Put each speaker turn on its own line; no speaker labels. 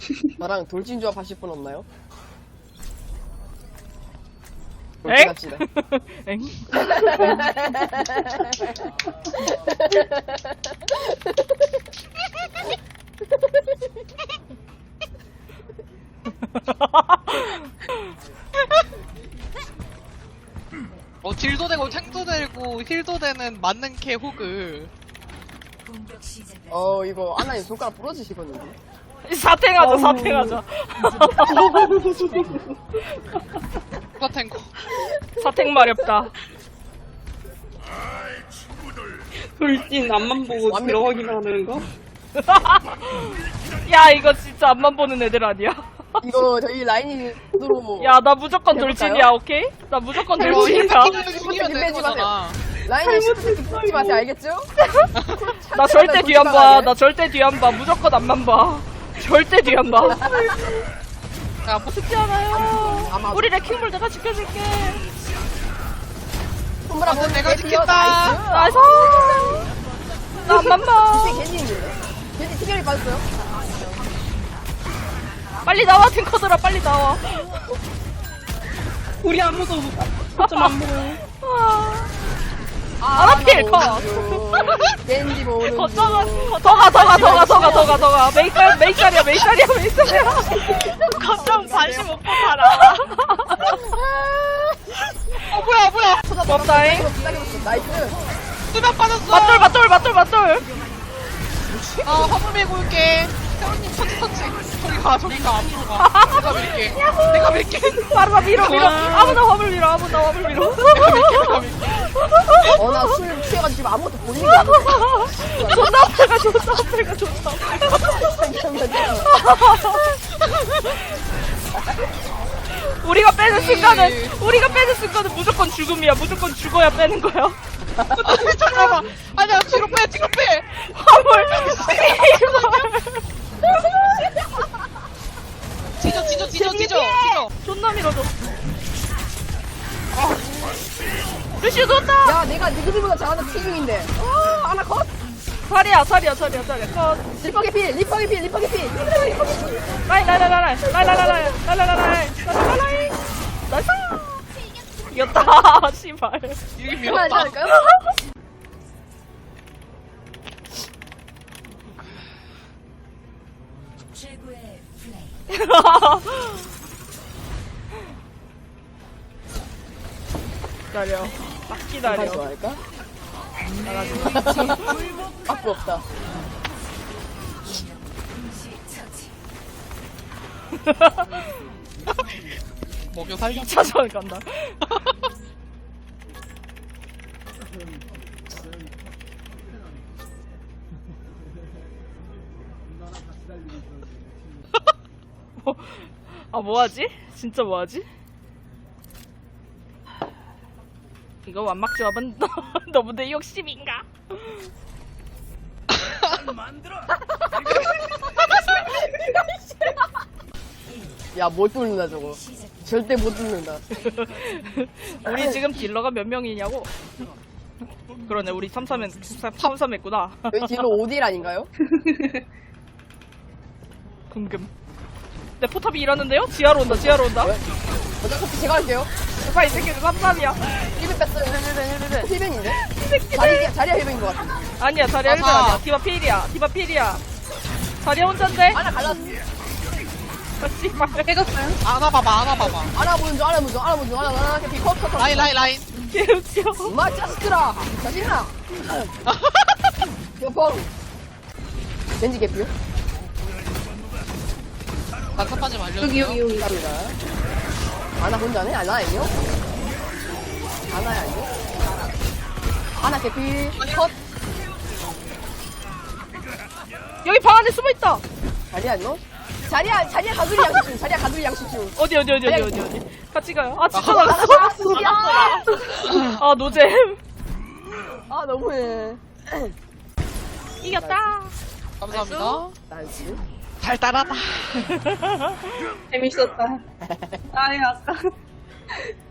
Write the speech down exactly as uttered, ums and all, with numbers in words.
나랑 돌진 조합 하실 분 없나요?
엥?
합시다.
엥?
어 딜도 되고 탱도 되고 힐도 되는 맞는 캐 호그.
어 이거 아나님 손가락 부러지시거든요.
사탱하자 사탱하자.
누가 탱커?
사탱 마렵다.
돌진 앞만 보고
완벽-
들어가기만 하는 거?
야 이거 진짜 앞만 보는 애들 아니야?
이거 저희 라인이 으로
야 나 무조건
해볼까요?
돌진이야 오케이? 나 무조건
이거
돌진이야.
힐 죽이면 되는
빼지 마세요.
거잖아.
라인이 시프트 붙지 마세요. 알겠죠?
나 절대 뒤 안 봐. 나 절대 뒤 안 봐. 무조건 앞만 봐. 절대 뒤 안 봐.
야, 뭐
죽지 않아요.
아마-
우리 레킹볼 내가 지켜줄게.
손보라
아,
보
내가 지켰다.
나이스. 나 앞만 봐.
이게 괜히 있는데. 괜히 티격이 빠졌어요.
빨리 나와 탱커들아 빨리 나와.
우리 아무도 거점 안 보여요.
아, 아라필 컷.
겐지 모으는
어쩌가 더가 더가 더가 더가 더가 더가 메이깔 메이깔이야 메이깔이야 메이깔이야. 거점 관심 없고 살아.
어 뭐야 뭐야?
없다잉.
나이스.
수면 빠졌어.
맞돌 맞돌 맞돌 맞돌.
아 화물 밀고 올게. 태훈님 터치 터치. 저기 가 저기 가 앞으로 가. 내가 밀게. 내가 밀게.
바로 나 밀어 밀어. 아무나 화물 밀어 아무나 화물 밀어.
내가 밀게. 내가 밀게.
어, 나 술 취해가지고 지금 아무것도 보이는 게 아니야.
존나 아플까 존나 아플까 존나 우리가 빼는 순간은 우리가 빼는 순간은 무조건 죽음이야. 무조건 죽어야 빼는 거야.
잠깐만. 아니야 뒤로 빼 뒤로 빼.
화물
뒤져 뒤져 뒤져 뒤져 뒤져.
존나 밀어줘. 루시오 좋다.
야, 내가 니그들보다 잘하는 티중인데. 아, 하나 컷.
살이야 살이야 살이야 살이야 컷.
리퍼게 필, 리퍼게 필, 리퍼게 필. 리퍼게 필.
라인 라인 라인 라인 라인 라인 라인 라인 라인 라인 라인 라인 나이스. 이겼다. 씨발.
여기
하나 하지
밀었다.
않을까요?
기다려. 딱
다시
기다려.
좋아할까? 앞도 없다.
먹여 살려.
이 차전 간다. 뭐, 아 뭐하지? 진짜 뭐하지? 이거 완막 조합은 너무 내 욕심인가?
야, 못 뚫는다, 저거. 절대 못 뚫는다.
우리 지금 딜러가 몇 명이냐고? 그러네 우리 삼 삼 삼 삼 했구나.
여기 딜러 오 딜 아닌가요?
궁금. 내 포탑이 일하는데요? 지하로 온다 지하로 온다.
어차피 제가 할게요.
오빠 이 새끼들 삼 삼이야.
일 벤 뺐어요. 힐벤인데? 자리야, 자리야 힐벤인 것 같아.
아니야 자리야 일 벤
아하.
아니야. 디바 필이야 디바 필이야. 자리야 혼잔데?
하나 갈랐어.
아 씨발.
깨졌어요?
안아 봐봐 안아 봐봐.
하나 보는 중, 하나 보는 중, 하나 보는 중, 하나, 하나, 하나, 컷, 컷, 컷.
라인 라인 라인.
개웃겨.
엄마 짜스트라. 자신나. 여펑. 겐지 개피요?
난사빠지 말려.
여기 여기 여기.
갑니다. 하나 혼자네? 하나 아니요? 하나야 아니요? 하나 개피. 컷.
여기 방 안에 숨어 있다.
자리야 아니요? 자리야, 자리야 가두리 양식 중, 자리야 가두리 양식 중.
어디 어디 어디 어디 어디 어디. 같이 가요. 아 진짜
하나
나갔어.
나갔어. 야!
아 노잼.
아, 너무해.
이겼다.
감사합니다.
나이스.
달달하다.
재밌었다. 아이 아까